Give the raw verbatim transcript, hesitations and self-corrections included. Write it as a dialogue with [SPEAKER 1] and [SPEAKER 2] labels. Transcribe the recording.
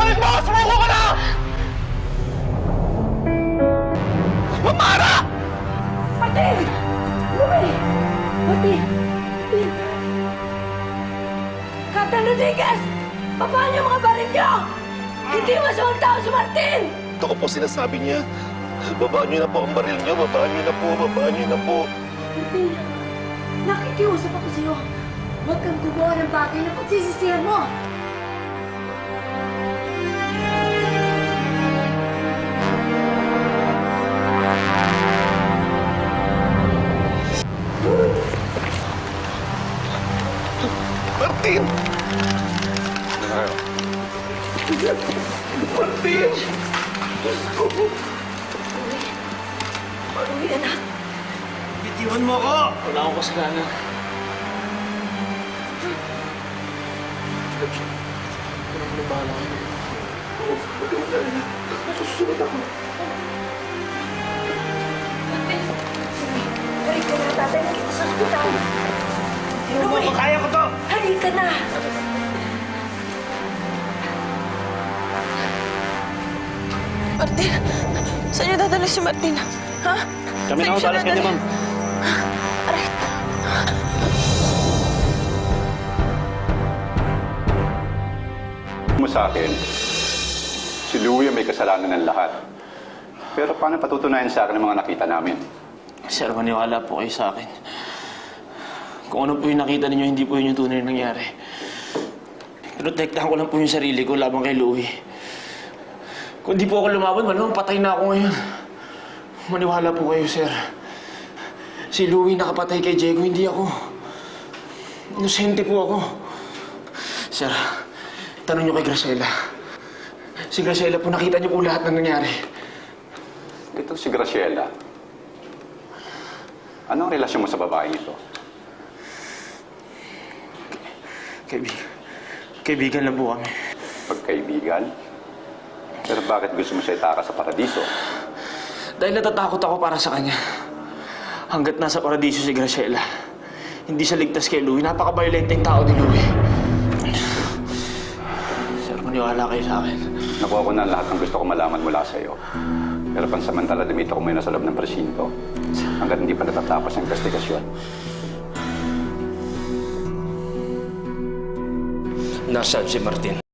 [SPEAKER 1] Ibalik mo! Sumuko ka na! Mamara!
[SPEAKER 2] Martin! Louie! Martin! Martin! Captain Rodriguez! Babaan niyo mga baril niyo! Hindi masamang tao si Martin!
[SPEAKER 1] Ito ko po sinasabi niya. Babaan niyo na po ang baril niyo. Babaan niyo na po. Babaan niyo na po.
[SPEAKER 2] Martin, nakikiusap ako sa'yo. Huwag kang gumawa ng bagay na pagsisisihan mo.
[SPEAKER 1] Martin!
[SPEAKER 3] Ano na kayo?
[SPEAKER 1] Martin!
[SPEAKER 2] Uwi, anak.
[SPEAKER 1] Bitiwan mo ako!
[SPEAKER 3] Wala akong kasalanan. Wala mo na bahala kayo.
[SPEAKER 1] Susunod ako.
[SPEAKER 2] Martin! Balik ka na, tatay. Nakita sa ospital.
[SPEAKER 1] Ano mo? Kaya ko to!
[SPEAKER 2] Halika na!
[SPEAKER 4] Martin, saan niyo dadalhin si Martin? Ha?
[SPEAKER 3] Kami na
[SPEAKER 4] Saan
[SPEAKER 3] ako
[SPEAKER 4] siya
[SPEAKER 3] talas kanya,
[SPEAKER 4] dadalhin?
[SPEAKER 3] ma'am.
[SPEAKER 4] Aray.
[SPEAKER 5] Mo sa akin, si Louie may kasalanan ng lahat. Pero paano patutunayan sa akin ang mga nakita namin?
[SPEAKER 3] Sir, maniwala po kayo sa akin. Kung ano po yung nakita ninyo, hindi po yun yung tunay na nangyari. Protektahan ko lang po yung sarili ko laban kay Louie. Kung di po ako lumaban, malamang patay na ako ngayon. Maniwala po kayo, sir. Si Louie nakapatay kay Diego, hindi ako. Inosente po ako. Sir, tanong niyo kay Graciela. Si Graciela po, nakita niyo po lahat ng nangyari.
[SPEAKER 5] Ito si Graciela. Anong relasyon mo sa babaeng ito?
[SPEAKER 3] Kaibigan. Kaibigan lang po kami.
[SPEAKER 5] Pagkaibigan? Pero bakit gusto mo siya itaka sa paradiso?
[SPEAKER 3] Dahil natatakot ako para sa kanya. Hanggat nasa paradiso si Graciela, hindi siya ligtas kay Louie. Napaka-violenteng tao ni Louie. Sir, maniwala kayo sa akin.
[SPEAKER 5] Nakuha ko na lahat ng gusto ko malaman mula sa iyo. Pero pansamantala, dumito ko muna sa loob ng presinto hanggat hindi pa natatapos ang investigasyon.
[SPEAKER 6] Nasaan si Martin?